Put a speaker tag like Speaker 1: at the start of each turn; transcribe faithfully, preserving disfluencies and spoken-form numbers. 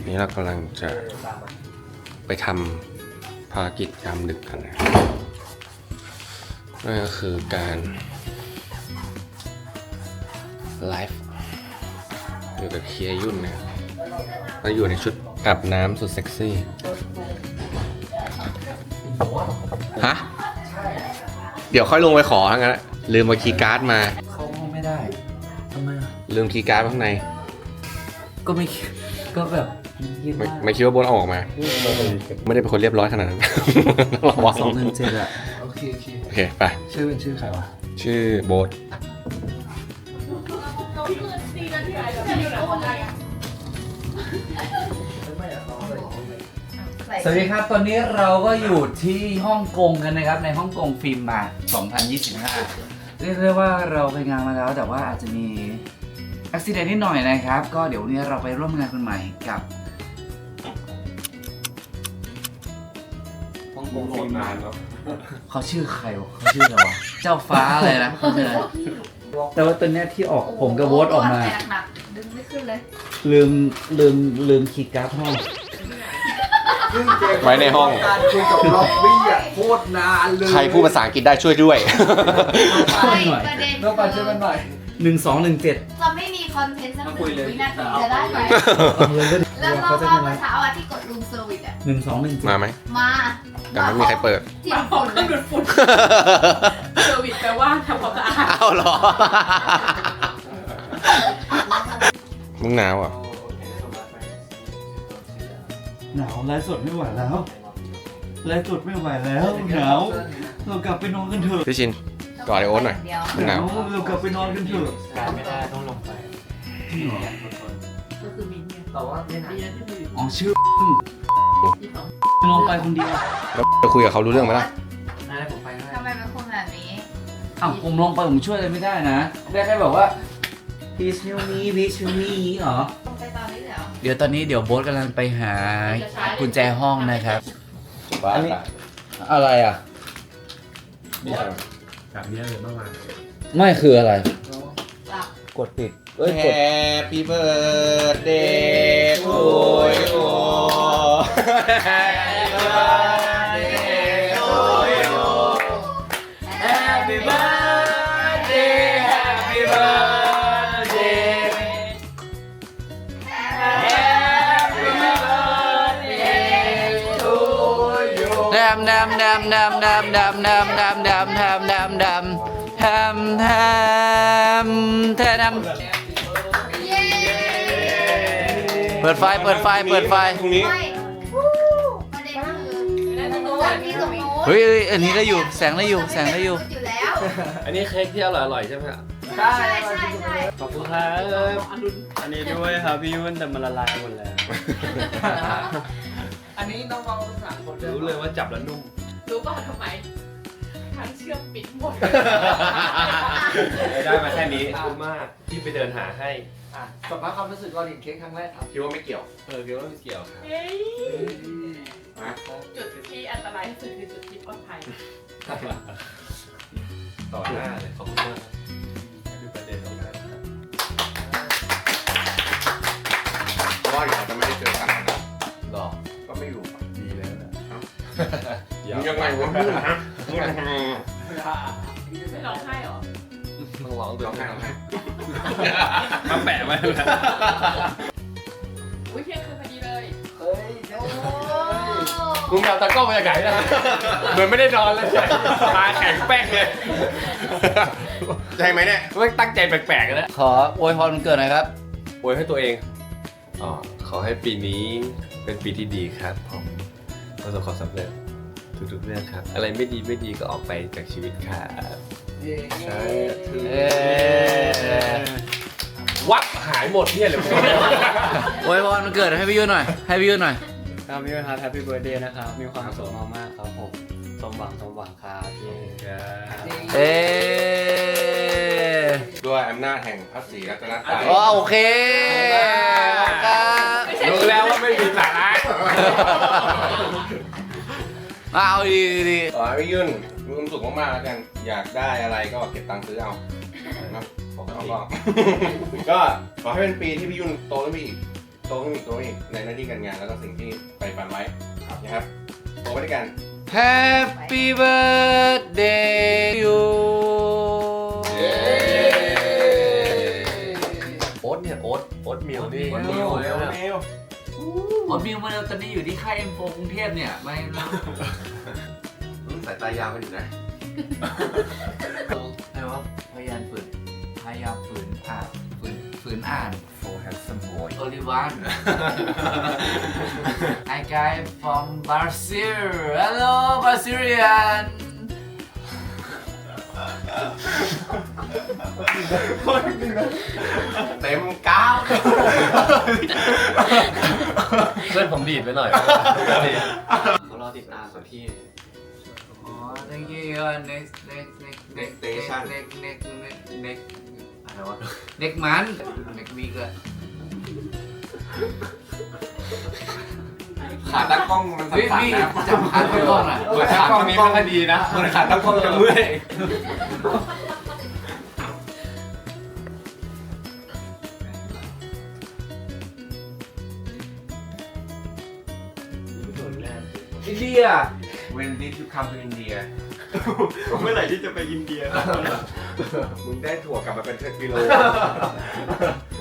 Speaker 1: นี้เรากำลังจะไปทำภารกิจยามดึกกันนะนั่นก็คือการไลฟ์อยู่กับเคียยุ่นนะเราอยู่ในชุดอาบน้ำสุดเซ็กซี่ฮะเดี๋ยวค่อยลงไปขอทั้งนั้นลืมมาคีย์การ์ดมา
Speaker 2: เขาไม่ได้ทำไมอ่ะ
Speaker 1: ลืมคีย์การ์ดข้างใน
Speaker 2: ก็ไม่ก็แบบ
Speaker 1: ไม่ไม่คิดว่าโบนเอาออกมาไม่ได้เป็นคนเรียบร้อยขนาดนั้นระวัง
Speaker 2: สองหนึ่งเจ็ดอะโอเคโอเค
Speaker 1: โอเคไป
Speaker 2: ชื่อเป็นชื่อใครวะ
Speaker 1: ชื่อโบท
Speaker 2: สวัสดีครับตอนนี้เราก็อยู่ที่ฮ่องกงกันนะครับในฮ่องกงฟิล์มมาสองพันยี่สิบห้าเรียกได้ว่าเราไปงานมาแล้วแต่ว่าอาจจะมีอุบิเหตุนิดหน่อยนะครับก็เดี๋ยววันนี้เราไปร่วมงานคนใหม่กับฮ่องกงฟิล์มมาเขาชื่อใครวะเขาชื่ออะไรวะเจ้าฟ้าอะไรนะเขาชื่ออะไรแต่ว่าตอนนี้ที่ออกผมกับโวตออกมา
Speaker 3: ดึงไม่ขึ้นเลย
Speaker 2: ลืมลืมลืมคีย์การ์ดห้อง
Speaker 1: ไว้ในห้อง
Speaker 4: การคุยกับล็อบบี้อ่ะโคตรนานเลย
Speaker 1: ใครพูดภาษาอังกฤษได้ช่วยด้วย
Speaker 3: ประเด็น
Speaker 4: ต้องไปช่วยมันหน่อย
Speaker 2: หนึ่งสองหนึ่งเจ็ด
Speaker 3: เราไม่มีคอนเทนต์สักหนึ่งวินาทีจะได้ไหมแล้วเราเมื่อเช้าอ่ะที่กดรูมเซอร์วิสอ่ะ
Speaker 2: หนึ่งสองหนึ่ง
Speaker 1: มาไหม
Speaker 3: มา
Speaker 1: แต่ไม่มีใครเปิด
Speaker 3: จิ้มฝุ่น
Speaker 5: ดูดฝุ่นเซอร์วิสแปลว่าทำความสะอาด
Speaker 1: อ้าวเหรอมึงหนาวอ่ะ
Speaker 2: หนาวไลฟ์สดไม่ไหวแล้วไลฟ์สดไม่ไหวแล้วหนาวเรากลับไปนอนกันเถอะ
Speaker 1: พี่ชินกอดไอโอ๊ตหน่อย
Speaker 2: หนาวเรากลับไปนอนกันเถอะ
Speaker 4: การไม่ได้ต้องลงไป
Speaker 5: ก็คือมินเนี่ย
Speaker 4: แต่ว่าไม่นาน
Speaker 2: อ๋อชื่อลงไปคนเดียว
Speaker 1: แล้วจะคุยกับเขารู้เรื่องไหมล่ะ
Speaker 4: ได้ผมไปได้
Speaker 3: ทำไมเป็นคนแบบนี้
Speaker 2: อ้าวผมลงไปผมช่วยอะไรไม่ได้นะได้แค่บอกว่า please help me please help me เหรอ
Speaker 3: ไปตอนนี้เหรอ
Speaker 2: เดี๋ยวตอนนี้เดี๋ยวโบ๊ทกำลังไปหากุญแจห้องนะครับ
Speaker 1: อันนี้
Speaker 2: อะไรอ่ะ
Speaker 1: นี่อะไร
Speaker 4: แบบนี้เลยเมื่อวาน
Speaker 2: ไม่คืออะไรกดปิด
Speaker 1: เอ้ย Happy birthday to you Happy birthday to you
Speaker 2: Happy birthday Happy birthday Happy birthday to you ดำดำดำดำดำดำดำดำดำดำดำดำแฮมแฮมแทนเปิดไฟเปิดไฟเปิดไฟ
Speaker 1: ตรงนี้
Speaker 3: ประเด็นคือวันที่ตรงโน้น
Speaker 2: เฮ้ยอันนี้ได้อยู่แสงได้อยู่แสงได้อยู่
Speaker 3: อยู่แล้ว
Speaker 1: อันนี้เค้กที่อร่อยๆใช่ไหมครับ
Speaker 3: ใช่ใช่ใช่
Speaker 4: ขอบคุณครับอันนี้ด้วยครับพี่ยุ่นแต่มันละลายหมดแล้วอันนี้น้องๆทั้งสามคนรู้เลยว่าจับแล้วนุ่ม
Speaker 5: รู้ป่ะทำไมทั้งเชื่อมปิดหมด
Speaker 1: ได้มาแค่นี้คุ้มมากที่ไปเดินหาให้
Speaker 4: สัมภาษณ์ความรู้สึกก่อนเห็นเค้กครั้งแรกครับ
Speaker 1: คิดว่าไม่เกี่ยว
Speaker 4: เออคิดว่าไม่เกี่ยวครับ
Speaker 5: จุดที่อันตรายที่สุดคือจุดที่ปลอดภัย
Speaker 1: ต่อหน้าเลยขอบคุณมากคือประเด็นตรงนั้นเพราะว่าเดี๋ยวจะไม่ได้เจอกันนะหรอก็ไม่อยู่ดีเลยนะยังไงวะ
Speaker 5: ไม่ร้องไห้หรอ
Speaker 1: ต้องร้องด้วยร้องไห้ร้องไห้
Speaker 4: มาแปะไว้เลย
Speaker 5: อุ้ยเที่ยงคืนพอดีเลย
Speaker 4: เฮ้ย
Speaker 1: มึงเอาตะก้อมาจากไหนนะเหมือนไม่ได้นอนเลยตาแข็งแป้งเลยใช่ไหมเนี่ยไม่ตั้งใจแปลกๆแล้ว
Speaker 2: ขออวยพรวันเกิดหน่อยครับ
Speaker 1: อวยให้ตัวเองอ๋อขอให้ปีนี้เป็นปีที่ดีครับผมประสบความสำเร็จทุกๆเรื่องครับอะไรไม่ดีไม่ดีก็ออกไปจากชีวิตครับใช่วับหายหมดเนี่ยเลย
Speaker 2: อวยพรวันเกิดให้พี่ยุ่นหน่อยให้พี่ยุ่นหน่อย
Speaker 4: ครับพี่ยุ่นครับแฮปปี้เบิร์ดเดย์นะครับมีความสุขมากๆครับผมสมหวังสมหวังครับ
Speaker 2: เอ๊
Speaker 1: ด้วยอำนาจแห่งพระศรีรัตนตรัย
Speaker 2: อ๋อโอเค
Speaker 1: รู้แล้วว่าไม่มีสาระ
Speaker 2: เอาดีดี
Speaker 1: ขอให้พี่ยุ่นมีความสุขมากๆแล้วกันอยากได้อะไรก็เก็บตังค์ซื้อเอานะผมก็ก็ขอให้เป็นปีที่พี่ยุ่นโตขึ้นไปอีกโตโตขึ้นอีกโตขึ้นอีกในหน้าที่การงานแล้วก็สิ่งที่ไปฝันไว้นะครับโตไปด้วยกัน
Speaker 2: Happy birthday you
Speaker 1: โอ๊ตเนี่ยโอ๊ตโอ๊ตมิลนี่
Speaker 2: โอ๊ตมิล
Speaker 1: เร็วเร็ว
Speaker 2: โอ๊ตมิลมาแล้วตอนนี้อยู่ที่ค่ายเอ็มโฟกรุงเทพเนี่ยไม่แล้ว
Speaker 1: สายตายาวกันอยู่นะ
Speaker 2: ไอ้ว่าพยายามฝืนพยายามฝืนอ่านฝืนฝืนอ่าน
Speaker 1: For handsome boy
Speaker 2: only one I guy from Brazil hello Brazilian
Speaker 1: เต็มก้าวเพื่อนผมดีดไปหน่อย
Speaker 4: เขารอติดตามส่วนที่
Speaker 2: อ๋อ thank you next next next next
Speaker 1: Station
Speaker 2: next next next next อะไรวะ next month next week อะ
Speaker 1: ขาตั้งกล้องมัน
Speaker 2: เฮ้ย
Speaker 1: สั่น
Speaker 2: พี่
Speaker 1: ๆนะ
Speaker 2: จำขาตั้งกล้องหน่อย
Speaker 1: เหมือนขาตั้งกล้องไม่ดีนะเหมือนขาตั้งกล้องจะเมื่อย
Speaker 2: อินเดีย
Speaker 1: When did you come to India
Speaker 4: เมื่อไหร่ที่จะไปอินเดีย
Speaker 1: มึงได้ถั่วกลับมาเป็นเทกิโล